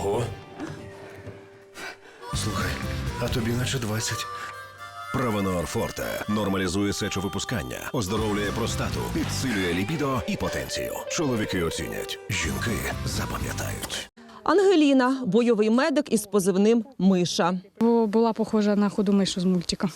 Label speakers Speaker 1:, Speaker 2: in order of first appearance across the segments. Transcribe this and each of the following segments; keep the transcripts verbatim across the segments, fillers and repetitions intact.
Speaker 1: Ого. Слухай, а тобі наче двадцять.
Speaker 2: Правонор Форте нормалізує сечовипускання, оздоровлює простату, підсилює лібідо і потенцію. Чоловіки оцінять, жінки запам'ятають.
Speaker 3: Ангеліна – бойовий медик із позивним «Миша».
Speaker 4: Була похожа на худу мишу з мультика.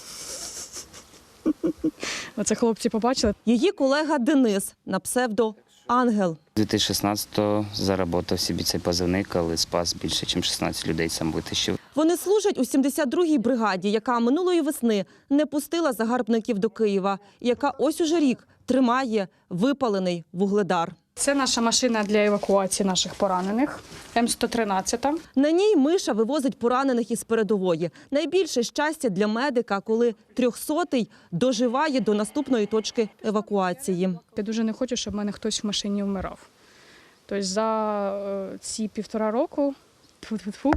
Speaker 4: Оце хлопці побачили.
Speaker 3: Її колега Денис на псевдо «Ангел».
Speaker 5: дві тисячі шістнадцятого заработав собі цей позивний, коли спас більше, ніж шістнадцять людей, сам витащив.
Speaker 3: Вони служать у сімдесят другій бригаді, яка минулої весни не пустила загарбників до Києва, і яка ось уже рік тримає випалений Вугледар.
Speaker 4: Це наша машина для евакуації наших поранених, М сто тринадцять.
Speaker 3: На ній Миша вивозить поранених із передової. Найбільше щастя для медика, коли трьохсотий доживає до наступної точки евакуації.
Speaker 4: Я дуже не хочу, щоб в мене хтось в машині вмирав. Тобто за ці півтора року тьфу-тьфу-тьфу,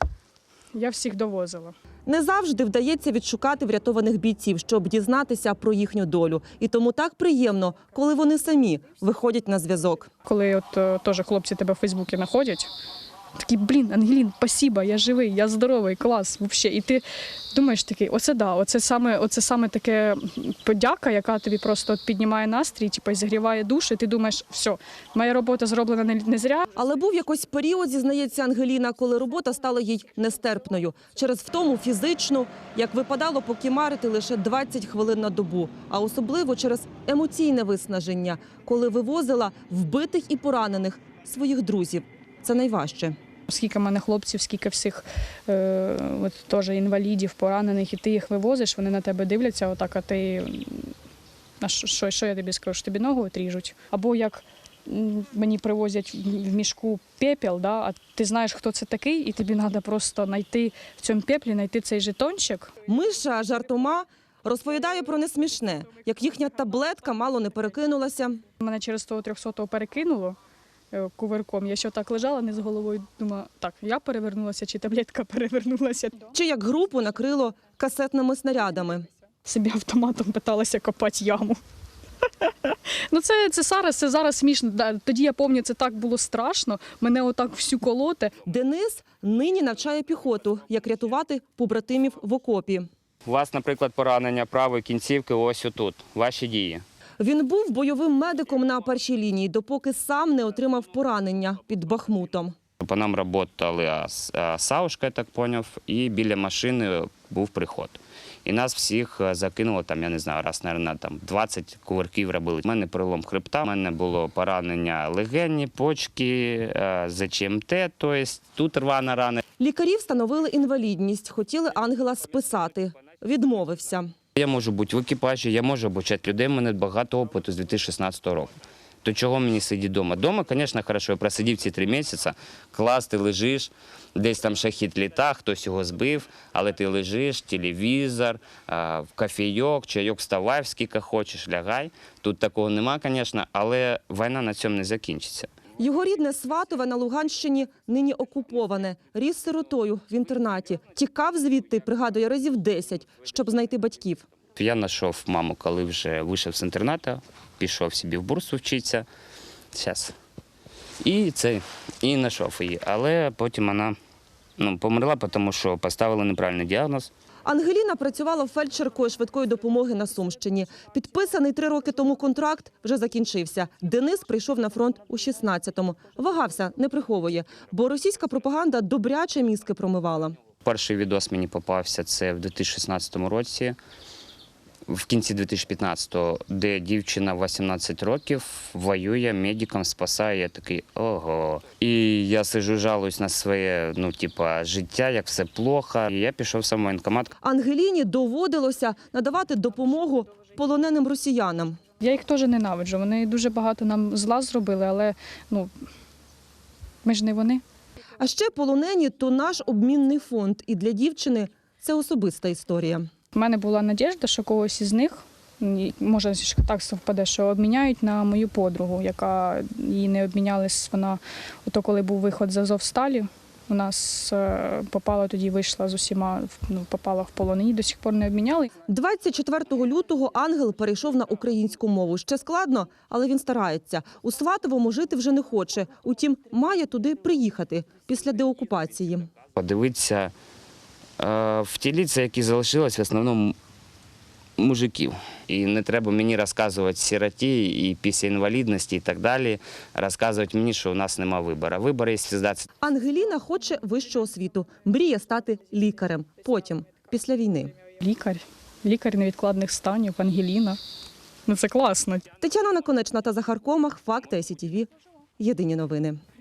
Speaker 4: я всіх довозила.
Speaker 3: Не завжди вдається відшукати врятованих бійців, щоб дізнатися про їхню долю. І тому так приємно, коли вони самі виходять на зв'язок.
Speaker 4: Коли от е, теж хлопці тебе в Фейсбуці знаходять, такі, блін, Ангелін, спасибо, я живий, я здоровий, клас, взагалі. І ти думаєш такий, оце да, оце саме, оце саме таке подяка, яка тобі просто от піднімає настрій, типу, і зігріває душу, і ти думаєш, все, моя робота зроблена не, не зря.
Speaker 3: Але був якийсь період, зізнається Ангеліна, коли робота стала їй нестерпною. Через втому фізичну, як випадало покімарити лише двадцять хвилин на добу. А особливо через емоційне виснаження, коли вивозила вбитих і поранених своїх друзів. Це найважче.
Speaker 4: Скільки в мене хлопців, скільки всіх е, от, теж інвалідів, поранених, і ти їх вивозиш, вони на тебе дивляться, отак, а ти, а що, що я тобі скажу, що тобі ногу отріжуть? Або як мені привозять в мішку пепел, да, а ти знаєш, хто це такий, і тобі треба просто знайти в цьому пеплі, знайти цей жетончик.
Speaker 3: Миша жартома розповідає про несмішне, як їхня таблетка мало не перекинулася.
Speaker 4: Мене через того трьохсотого перекинуло кувирком. Я ще так лежала, не з головою, думала, так, я перевернулася, чи таблетка перевернулася.
Speaker 3: Чи як групу накрило касетними снарядами.
Speaker 4: Собі автоматом питалася копати яму. Ну це, це зараз, це зараз смішно. Тоді я пам'ятаю, це так було страшно, мене отак всю колоти.
Speaker 3: Денис нині навчає піхоту, як рятувати побратимів в окопі.
Speaker 5: У вас, наприклад, поранення правої кінцівки ось отут. Ваші дії.
Speaker 3: Він був бойовим медиком на першій лінії, допоки сам не отримав поранення під Бахмутом.
Speaker 5: По нам працювали Саушка, я так зрозумів, і біля машини був приход. І нас всіх закинуло, там, я не знаю, раз, мабуть, там двадцять кувырків робили. У мене перелом хребта, у мене було поранення легені, почки, ЗЧМТ, тобто тут рвана рана.
Speaker 3: Лікарі встановили інвалідність, хотіли Ангела списати. Відмовився.
Speaker 5: Я можу бути в екіпажі, я можу обучати людей, у мене багато опиту з дві тисячі шістнадцятого року. То чого мені сидіти вдома? Вдома, звісно, добре, я просидів ці три місяці, клас, ти лежиш, десь там шахід літа, хтось його збив, але ти лежиш, телевізор, в кофейок, чайок, вставай, скільки хочеш, лягай. Тут такого нема, звісно, але війна на цьому не закінчиться.
Speaker 3: Його рідне Сватове на Луганщині нині окуповане. Ріс сиротою в інтернаті. Тікав звідти, пригадує, разів десять, щоб знайти батьків.
Speaker 5: Я знайшов маму, коли вже вийшов з інтернату, пішов собі в бурсу вчитися. Зараз. І це, і знайшов її. Але потім вона ну, померла, тому що поставили неправильний діагноз.
Speaker 3: Ангеліна працювала фельдшеркою швидкої допомоги на Сумщині. Підписаний три роки тому контракт вже закінчився. Денис прийшов на фронт у шістнадцятому. Вагався, не приховує, бо російська пропаганда добряче мізки промивала.
Speaker 5: Перший відос мені попався, це в дві тисячі шістнадцятому році, в кінці дві тисячі п'ятнадцятого, де дівчина вісімнадцять років воює, медиком спасає. Я такий, ого. І я сиджу, жалуюсь на своє, ну, типа, життя, як все плохо. І я пішов сам в воєнкомат.
Speaker 3: Ангеліні доводилося надавати допомогу полоненим росіянам.
Speaker 4: Я їх теж ненавиджу, вони дуже багато нам зла зробили, але ну, ми ж не вони.
Speaker 3: А ще полонені – то наш обмінний фонд. І для дівчини це особиста історія.
Speaker 4: У мене була надіжда, що когось із них, може так совпаде, що обміняють на мою подругу, яка її не обмінялась, вона, ото коли був виход з Азовсталі, У нас е, попала тоді, вийшла з усіма, ну, попала в полон, її до сих пор не обміняли.
Speaker 3: двадцять четвертого лютого Ангел перейшов на українську мову. Ще складно, але він старається. У Сватовому жити вже не хоче. Утім, має туди приїхати після деокупації.
Speaker 5: Подивитися е, в ті ліця, які залишились в основному мужиків. І не треба мені розказувати сироті і після інвалідності і так далі, розказувати мені, що у нас немає вибору. Вибор є завжди.
Speaker 3: Ангеліна хоче вищу освіту. Мріє стати лікарем. Потім, після війни.
Speaker 4: Лікар, лікар невідкладних станів, Ангеліна. Ну це класно.
Speaker 3: Тетяна Наконечна та Захар Комах. Факти ай сі ті ві. Єдині новини.